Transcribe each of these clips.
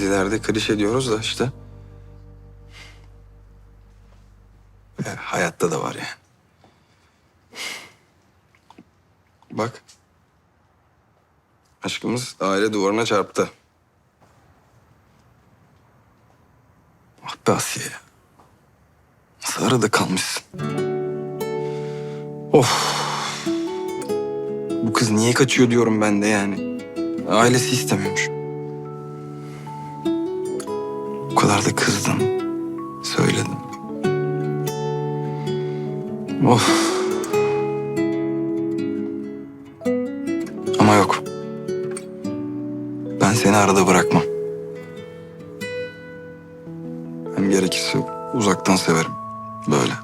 dizilerde klişe diyoruz da işte. Hayatta da var yani. Bak. Aşkımız aile duvarına çarptı. Ah be Asiye ya. Nasıl arada kalmışsın? Of. Bu kız niye kaçıyor diyorum ben de yani. Ailesi istemiyormuş. O kadar da kızdım. Söyledim. Of. Ama yok. Ben seni arada bırakmam. Hem gerekirse uzaktan severim. Böyle.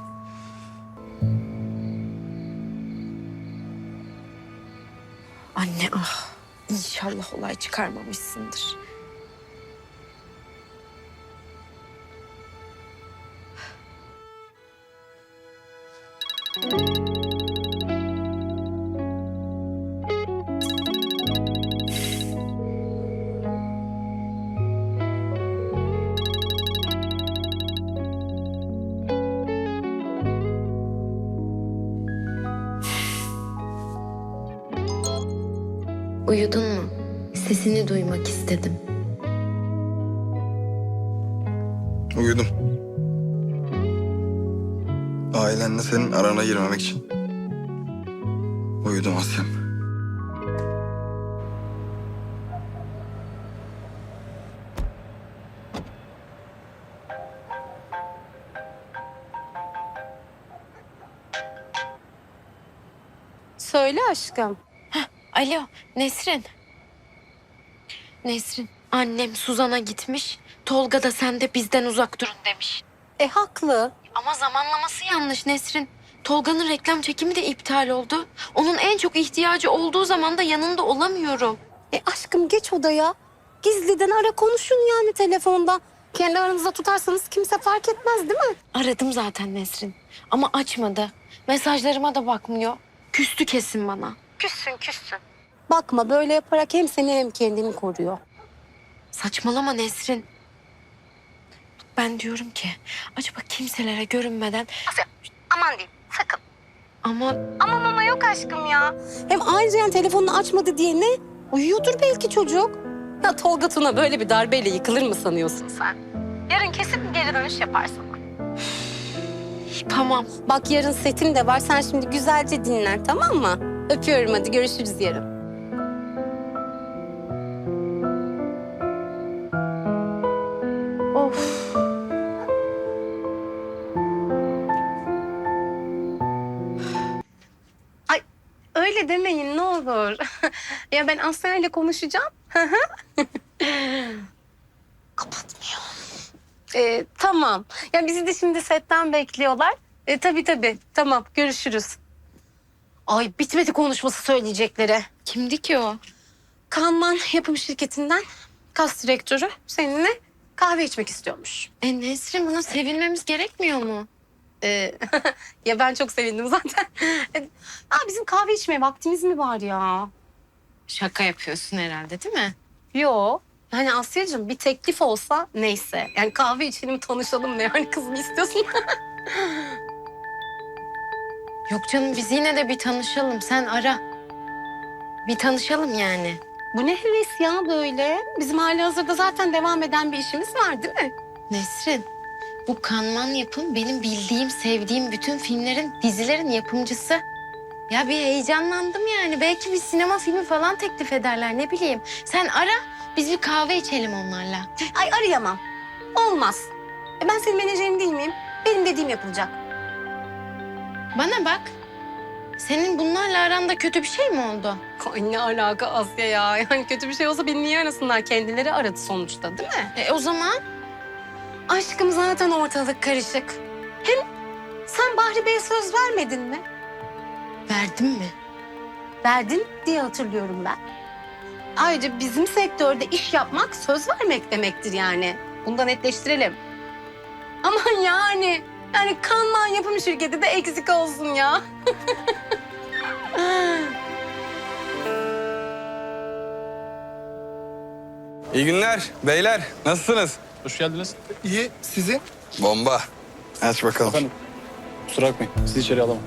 Anne ah, inşallah olay çıkarmamışsındır. Uyudun mu? Sesini duymak istedim. Uyudum. Ailenle senin arana girmemek için. Uyudum Asya'm. Söyle aşkım. Alo Nesrin. Nesrin, annem Suzan'a gitmiş. Tolga da sen de bizden uzak durun demiş. Haklı. Ama zamanlaması yanlış Nesrin. Tolga'nın reklam çekimi de iptal oldu. Onun en çok ihtiyacı olduğu zaman da yanında olamıyorum. Aşkım geç odaya. Gizliden ara konuşun yani telefonda. Kendi aranızda tutarsanız kimse fark etmez değil mi? Aradım zaten Nesrin. Ama açmadı. Mesajlarıma da bakmıyor. Küstü kesin bana. Küssün. Bakma böyle yaparak hem seni hem kendini koruyor. Saçmalama Nesrin. Ben diyorum ki acaba kimselere görünmeden Aman diyeyim sakın. ama Ama yok aşkım ya. Hem ayrıca yani telefonunu açmadı diye ne? Uyuyordur belki çocuk. Ya Tolga Tuna böyle bir darbeyle yıkılır mı sanıyorsun sen? Yarın kesin geri dönüş yaparsın. tamam. Bak yarın setin de var. Sen şimdi güzelce dinlen tamam mı? Öpüyorum hadi görüşürüz yarın. Of. Ay öyle demeyin ne olur. Ya ben Asya ile konuşacağım. Kapatmıyor. Tamam. Ya bizi de şimdi setten bekliyorlar. Tabii. Tamam görüşürüz. Ay bitmedi konuşması söyleyecekleri. Kimdi ki o? Kanman yapım şirketinden kas direktörü seninle kahve içmek istiyormuş. Nesrin buna sevinmemiz gerekmiyor mu? Ya ben çok sevindim zaten. Bizim kahve içmeye vaktimiz mi var ya? Şaka yapıyorsun herhalde değil mi? Yo. Yani Asya'cığım bir teklif olsa neyse. Yani kahve içelim tanışalım ne yani kız mı istiyorsun? Yok canım biz yine de bir tanışalım. Sen ara. Bir tanışalım yani. Bu ne heves ya böyle? Bizim halihazırda zaten devam eden bir işimiz var değil mi? Nesrin, bu Kanman Yapım benim bildiğim, sevdiğim bütün filmlerin, dizilerin yapımcısı. Ya bir heyecanlandım yani. Belki bir sinema filmi falan teklif ederler ne bileyim. Sen ara, biz bir kahve içelim onlarla. Ay arayamam. Olmaz. Ben senin menajerin değil miyim? Benim dediğim yapılacak. Bana bak. Senin bunlarla aranda kötü bir şey mi oldu? Ay ne alaka Asya ya? Yani kötü bir şey olsa beni niye arasınlar? Kendileri aradı sonuçta değil mi? O zaman Aşkım zaten ortalık karışık. Hem sen Bahri Bey'e söz vermedin mi? verdim mi? Verdin diye hatırlıyorum ben. Ayrıca bizim sektörde iş yapmak söz vermek demektir yani. Bunu da netleştirelim. Aman yani Kanman yapım şirketi de eksik olsun ya. İyi günler beyler. Nasılsınız? Hoş geldiniz. İyi, sizin? Bomba. Aç bakalım. Efendim, kusura bakmayın. Sizi içeri alamam.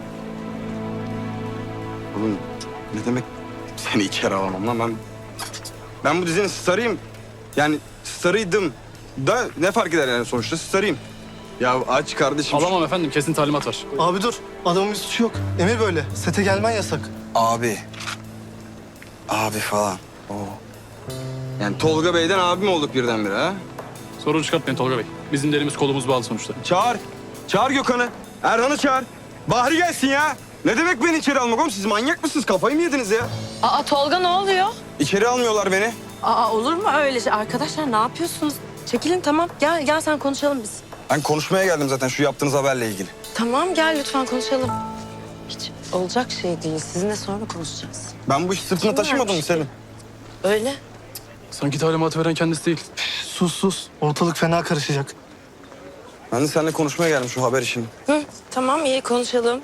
Oğlum ne demek seni içeri alamam lan ben bu dizinin starıyım. Yani starıydım da ne fark eder yani sonuçta starıyım. Ya aç kardeşim. Alamam efendim, kesin talimat var. Abi dur, adamın bir suçu yok. Emir böyle, sete gelmen yasak. Abi. Abi falan. Oo. Yani Tolga Bey'den abi mi olduk birdenbire ha? Sorun çıkartmayın Tolga Bey. Bizim de elimiz kolumuz bağlı sonuçta. Çağır. Çağır Gökhan'ı. Erhan'ı çağır. Bahri gelsin ya. Ne demek beni içeri almak oğlum? Siz manyak mısınız? Kafayı mı yediniz ya? Aa Tolga ne oluyor? İçeri almıyorlar beni. Aa olur mu öyle şey? Arkadaşlar ne yapıyorsunuz? Çekilin tamam. Gel sen konuşalım biz. Ben konuşmaya geldim zaten şu yaptığınız haberle ilgili. Tamam gel lütfen konuşalım. Hiç olacak şey değil. Sizinle sonra konuşacağız. Ben bu işi sırtına taşımadım mı Selim? Öyle. Sanki talimatı veren kendisi değil. Sus, ortalık fena karışacak. Ben de seninle konuşmaya geldim şu haber işini. Hı, tamam iyi konuşalım.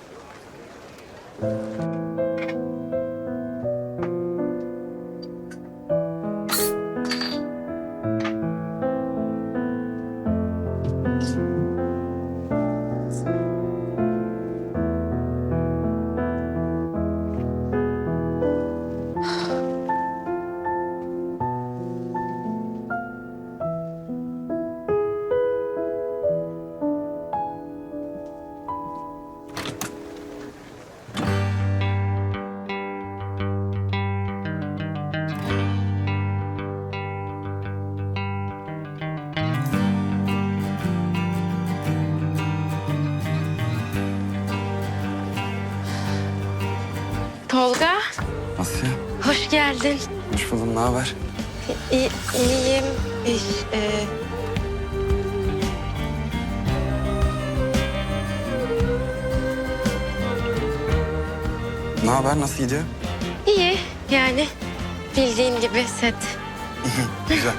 Tolga, Asya, hoş geldin. hoş buldum. Ne haber? İyiyim. Ne haber? Nasıl gidiyor? İyi yani bildiğin gibi set. Güzel.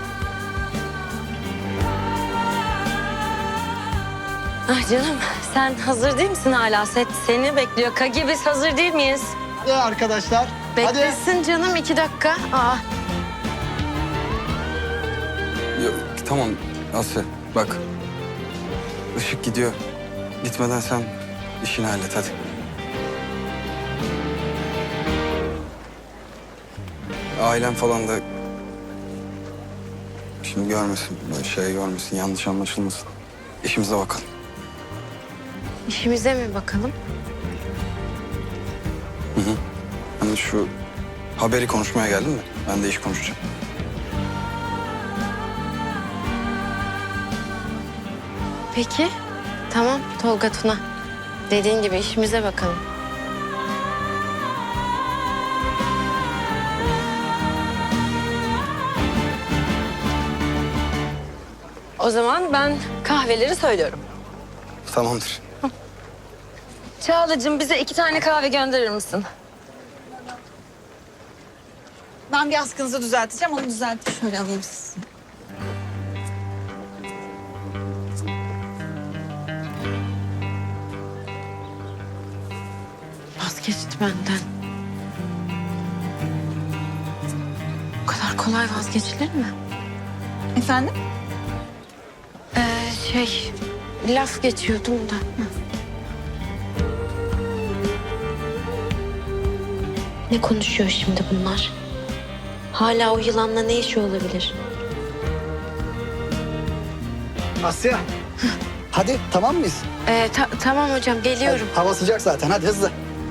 Ah canım sen hazır değil misin hala? Set seni bekliyor. Kagi biz hazır değil miyiz? Ya arkadaşlar, Beklesin canım 2 dakika. Aa, Yok, tamam Asya bak. Işık gidiyor. Gitmeden sen işini hallet hadi. Ailem falan da şimdi görmesin, böyle şey görmesin, yanlış anlaşılmasın. İşimize bakalım. işimize mi bakalım? Hani şu haberi konuşmaya geldim de ben de iş konuşacağım. Peki. Tamam Tolga Tuna. Dediğin gibi işimize bakalım. O zaman ben kahveleri söylüyorum. Tamamdır. Çağla'cığım bize 2 tane kahve gönderir misin? Ben bir askınızı düzelteceğim. Onu düzeltip şöyle alayım sizi. Vazgeçti benden. Bu kadar kolay vazgeçilir mi? Efendim? Laf geçiyordum da. Hı. Ne konuşuyor şimdi bunlar? Hala o yılanla ne işi olabilir? Asya. Hadi tamam mıyız? Tamam hocam geliyorum. Hadi, hava sıcak zaten hadi hızlı.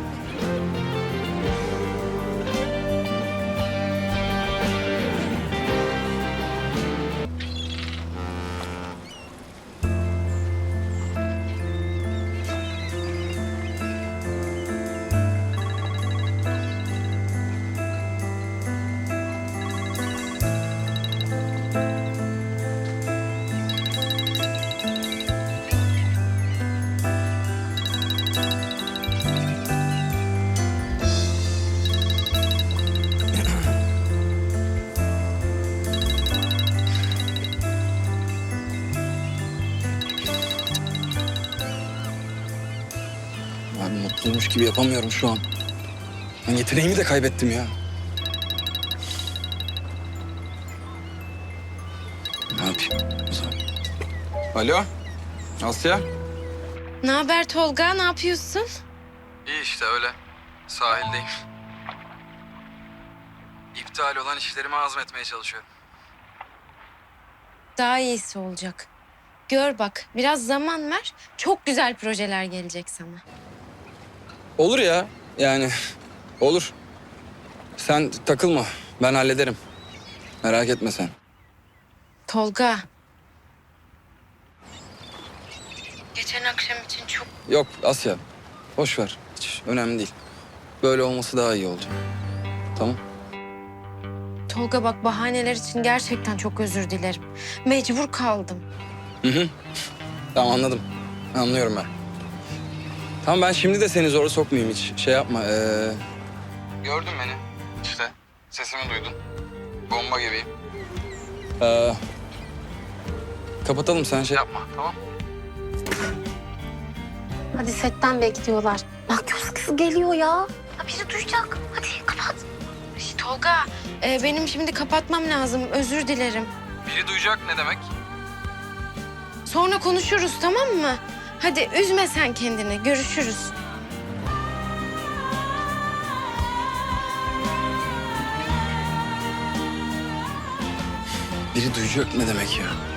Ben mutluymuş gibi yapamıyorum şu an. Ben yeteneğimi de kaybettim ya. Alo, Asya? Ne haber Tolga? Ne yapıyorsun? İyi işte öyle. Sahildeyim. İptal olan işlerimi azmetmeye çalışıyorum. Daha iyisi olacak. Gör bak, biraz zaman ver. Çok güzel projeler gelecek sana. Olur ya, yani olur. Sen takılma, ben hallederim. Merak etme sen. Tolga. Geçen akşam için çok... Yok Asya, boş ver. Hiç önemli değil. Böyle olması daha iyi oldu. Tamam. Tolga bak, bahaneler için gerçekten çok özür dilerim. Mecbur kaldım. Tamam anladım. Anlıyorum ben. Tamam ben şimdi de seni zora sokmayayım hiç. Şey yapma. Gördün beni. İşte sesimi duydun. Bomba gibiyim. Kapatalım sen şey yapma tamam. Hadi setten bekliyorlar. Bak göz kızı geliyor ya. Ya biri duyacak. Hadi kapat. Tolga, benim şimdi kapatmam lazım. Özür dilerim. Biri duyacak ne demek? Sonra konuşuruz, tamam mı? Hadi üzme sen kendini. Görüşürüz. Biri duyacak ne demek ya?